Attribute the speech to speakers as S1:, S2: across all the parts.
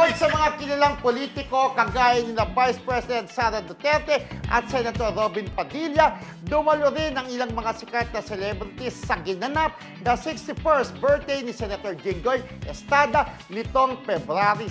S1: Bukod sa mga kilalang politiko, kagaya ni na Vice President Sara Duterte at Senator Robin Padilla, dumalo rin ang ilang mga sikat na celebrities sa ginanap na 61st birthday ni Senator Jinggoy Estrada nitong February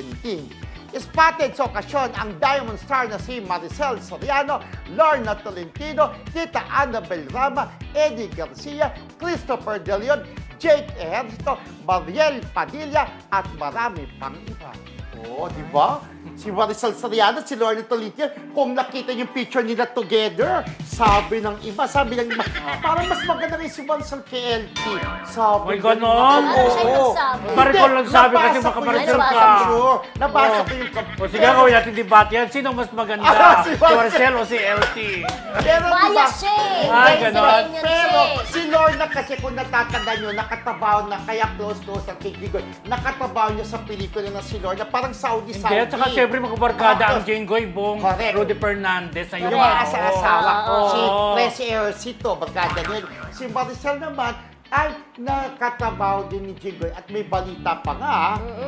S1: 17. Spotted sa okasyon ang Diamond Star na si Maricel Soriano, Lorna Tolentino, Tita Annabel Rama, Eddie Garcia, Christopher De Leon, Jake Ejercito, Mariel Padilla at marami pang iba. Oo, di ba? Si Maricel Soriano, si Lorna Tolentino, kung nakita yung picture nila together, sabi ng iba, parang mas maganda rin si Maricel kay LT. Sabi
S2: May ganon?
S3: Ano siya yung nagsabi?
S2: Maricel lang sabi kasi
S1: Nabasa
S2: baka
S1: ko yun
S2: Maricel
S1: sa
S2: ka.
S1: picture. Nabasa ko yung
S2: O sige, gawin natin debate yan. Sino mas maganda?
S1: Si
S2: Si Maricel o si LT?
S1: Pero diba,
S3: Bias siya eh.
S2: Ah,
S3: Bias
S2: ganon.
S3: opinion siya
S1: pero
S3: eh.
S1: si Lorna kasi kung natatandaan nyo, nakatabaw na, kaya close ang kay Gigoy, nakatabaw niya sa pelikula na si Lorna, parang Saudi.
S2: Hindi, at saka siyempre magkabarkada ang Jinggoy Bong,
S1: Correct.
S2: Rudy Fernandez na
S1: Yung
S2: yung
S1: mga asawa,
S3: Oo.
S1: si Presi Ercito, bagada niya. Si Maricel naman, ay nakatabaw din ni Jinggoy at may balita pa nga,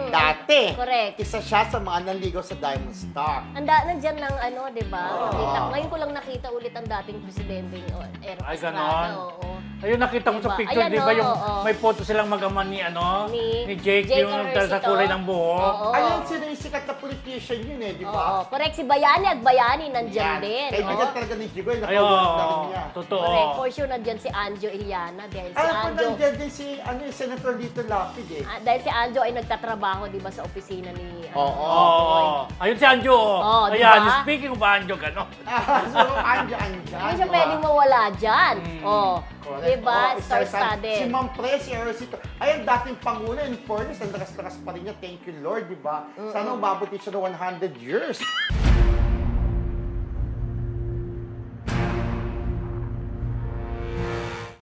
S1: dati.
S3: Correct.
S1: Isa siya sa mga nanligaw sa Diamond Star.
S3: Nandyan ng ano, di ba? Nakita. Ngayon ko lang nakita ulit ang dating presidente Eric
S2: Ay,
S3: Estrada.
S2: ganon.
S3: Oo.
S2: Ayun, nakita ko sa
S3: Diba?
S2: picture,
S3: Ayan,
S2: di ba yung
S3: oo.
S2: may photo silang mag-ama ni,
S3: Ni
S2: Jake,
S3: Jake
S2: yung
S3: Ejercito.
S2: sa kulay ng buhok.
S3: Oo.
S1: Ayun, sino yung sikat na politician yun di
S3: Oo.
S1: ba?
S3: Correct. Si Bayani at Bayani nandyan din.
S1: Kaibigan
S3: Oo.
S1: talaga ni Jinggoy,
S2: Ayun,
S1: nakaulat na rin niya.
S2: totoo.
S3: Correct. For sure nandyan si Anjo Iliana dahil si
S1: Alam ko
S3: Anjo...
S1: nandiyan din si Senator Lito Lapid
S3: dahil si Anjo ay nagtatrabaho, di ba, sa opisina ni...
S1: Oo.
S2: Oo. Ayun si Anjo.
S3: Oo, di
S2: Ayan,
S3: ba?
S1: Ah,
S2: speaking of Anjo, gano'n.
S1: So, andyan.
S3: Hindi siya pwedeng mawala dyan. Oh.
S1: Correct.
S3: Di ba?
S1: Oo,
S3: Star-studded.
S1: Si Ma'am Presi Ercito. Ayun, dating Pangulo, in fairness, ang lakas-lakas pa rin niya. Thank you, Lord, di ba? Sana umabot din siya ng 100 years.